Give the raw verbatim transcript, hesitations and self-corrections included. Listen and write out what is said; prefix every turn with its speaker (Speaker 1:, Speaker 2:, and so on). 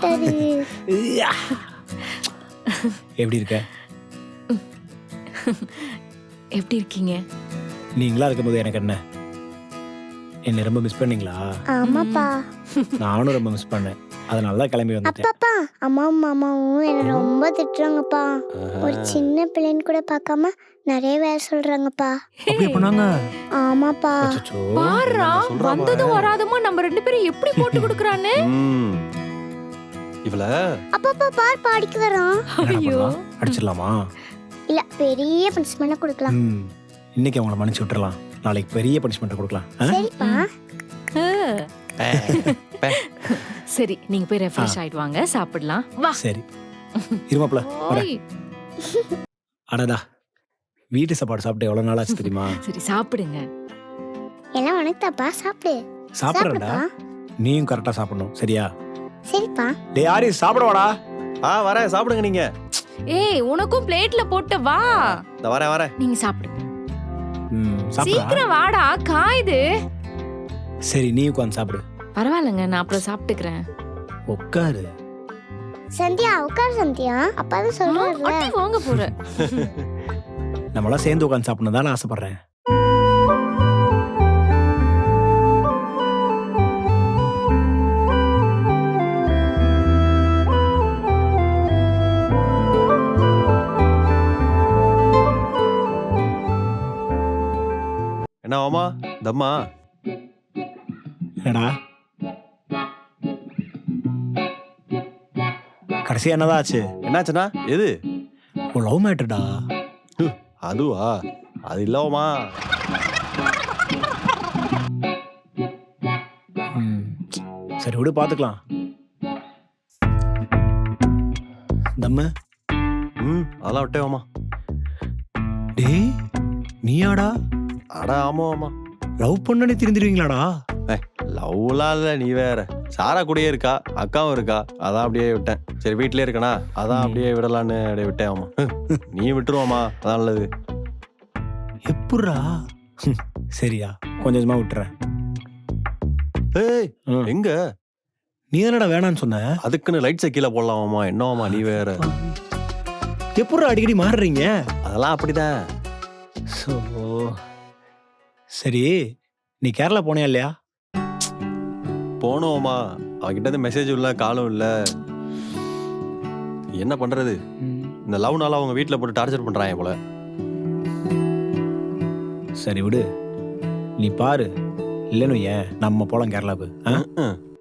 Speaker 1: மாட்டாரு.
Speaker 2: எப்படி இருக்க?
Speaker 3: எப்படி இருக்கீங்க?
Speaker 2: நீங்களா இருக்கும்போது எனக்கு என்ன? என்ன ரொம்ப மிஸ் பண்ணீங்களா?
Speaker 1: ஆமாப்பா.
Speaker 2: நானும் ரொம்ப மிஸ் பண்ணேன். அதனால தான் கிளம்பி வந்துட்டேன்.
Speaker 1: அப்பாப்பா அம்மாவும் மாமாவும் என்ன ரொம்ப திட்டுறாங்கப்பா. ஒரு சின்ன பிள்ளைன்னு கூட பார்க்காம நிறைய வேலை சொல்றாங்கப்பா.
Speaker 2: அப்படியே பண்ணாங்க.
Speaker 1: ஆமாப்பா.
Speaker 2: அச்சச்சோ.
Speaker 3: பாருடா,
Speaker 4: நான் சொல்றேன்
Speaker 3: வந்ததும் வராதமா நம்ம ரெண்டு பேரும் எப்படி போட்டு கொடுக்கறானே.
Speaker 4: ம். இவள
Speaker 1: அப்பாப்பா பார் பாடிக்கு வரோம்.
Speaker 2: என்னடா
Speaker 3: ஐயோ.
Speaker 2: பண்ணலாம்? அடிச்சிடலாமா?
Speaker 1: இல்ல பெரிய பனிஷ்மெண்ட் கொடுக்கலாம்.
Speaker 2: ம். இன்னைக்கு அவங்கள மன்னிச்சு விட்டுறலாம். நாளைக்கு பெரிய பனிஷ்மெண்ட் கொடுக்கலாம். ஆ?
Speaker 1: சரிப்பா.
Speaker 4: பே, பே.
Speaker 3: சரி, நீங்க போய் ரெஃப்ரெஷ் ஆயிட்டு வாங்க, சாப்பிடலாம். வா.
Speaker 2: சரி. இருமாப்ல.
Speaker 3: ஓய்.
Speaker 2: அடடா. வீட்டு சாப்பாடு சாப்பிட்டு எவ்வளவு நாள் ஆச்சு தெரியுமா?
Speaker 3: சரி, சாப்பிடுங்க.
Speaker 1: எல்லாம் உனக்குதாப்பா, சாப்பிடு.
Speaker 2: சாப்பிடுறேன்டா.
Speaker 1: சாப்பிடுப்பா.
Speaker 2: நீயும் கரெக்டா சாப்பிடணும். சரியா?
Speaker 1: சரிப்பா.
Speaker 2: டேய் யாரி சாப்பிட வாடா.
Speaker 4: ஆ வரேன், சாப்பிடுங்க நீங்க.
Speaker 3: ஏய், உனக்கும் பிளேட்ல போட்டு வா.
Speaker 4: இந்த வரேன் வரேன்.
Speaker 3: நீங்க சாப்பிடுங்க.
Speaker 2: ம். சாப்பிடா.
Speaker 3: சீக்கிரம் வாடா, காயுது.
Speaker 2: சரி நீ உட்கார்ந்து சாப்பிடு.
Speaker 3: பரவாயில்லைங்க, நான் அப்புறம் சாப்பிட்டுக்கிறேன்.
Speaker 2: உட்காரு.
Speaker 1: சந்தியா உட்கார் சந்தியா. அப்பா தான் சொல்றாருல.
Speaker 3: அட்டி வாங்க போற.
Speaker 2: நம்மளாம் சேர்ந்து உட்கார்ந்து சாப்பிடணும் தான் ஆசைப்படுறேன்.
Speaker 4: என்ன மாமா தம்மா?
Speaker 2: என்னடா கடைசியா என்னதான் ஆச்சு?
Speaker 4: என்னாச்சுன்னா எது?
Speaker 2: உன் லவ் மேட்டர்டா.
Speaker 4: அதுவா? அது இல்லவாமா.
Speaker 2: ம். சரி விடு பாத்துக்கலாம். தம்மு.
Speaker 4: ம் அதெல்லாம் விட்டே மாமா.
Speaker 2: டேய் நீயாடா?
Speaker 4: அட ஆமா மாமா.
Speaker 2: லவ் பண்ணனே திருந்திருவீங்களாடா?
Speaker 4: லவ்லாம் இல்லை, நீ வேற. சாரா கூடயே இருக்கா, அக்காவும் இருக்கா, அதான் அப்படியே விட்டேன். சரி வீட்லயே இருக்கனா, அதான் அப்படியே விடலான்னு அப்படியே விட்டேன் மாமா. நீ விட்டுருவாமா, அதான் நல்லது.
Speaker 2: எப்புட்றா? சரியா கொஞ்சம் கொஞ்சமா விட்டுறேன்.
Speaker 4: ஏய்
Speaker 2: ம்.
Speaker 4: எங்க?
Speaker 2: நீ தானடா வேணான்னு சொன்ன.
Speaker 4: அதுக்குன்னு லைட்ஸை கீழே போடலாமாமா? என்னவாமா நீ வேற.
Speaker 2: எப்புட்றா அடிக்கடி மாறுறீங்க?
Speaker 4: அதெல்லாம் அப்படிதான்.
Speaker 2: ஸோ சரி நீ கேரளா போனியா இல்லையா?
Speaker 4: போனோமா, அவகிட்ட இருந்து மெசேஜ் இல்லை, காலும் இல்லை. என்ன பண்றது? இந்த லவ்னால அவங்க வீட்டில் போட்டு டார்ச்சர் பண்றாங்க போல.
Speaker 2: சரி விடு. நீ பாரு. இல்லைன்னு ஏன் நம்ம போலாம் கேரளாவுக்கு. ஆ?
Speaker 4: ம்.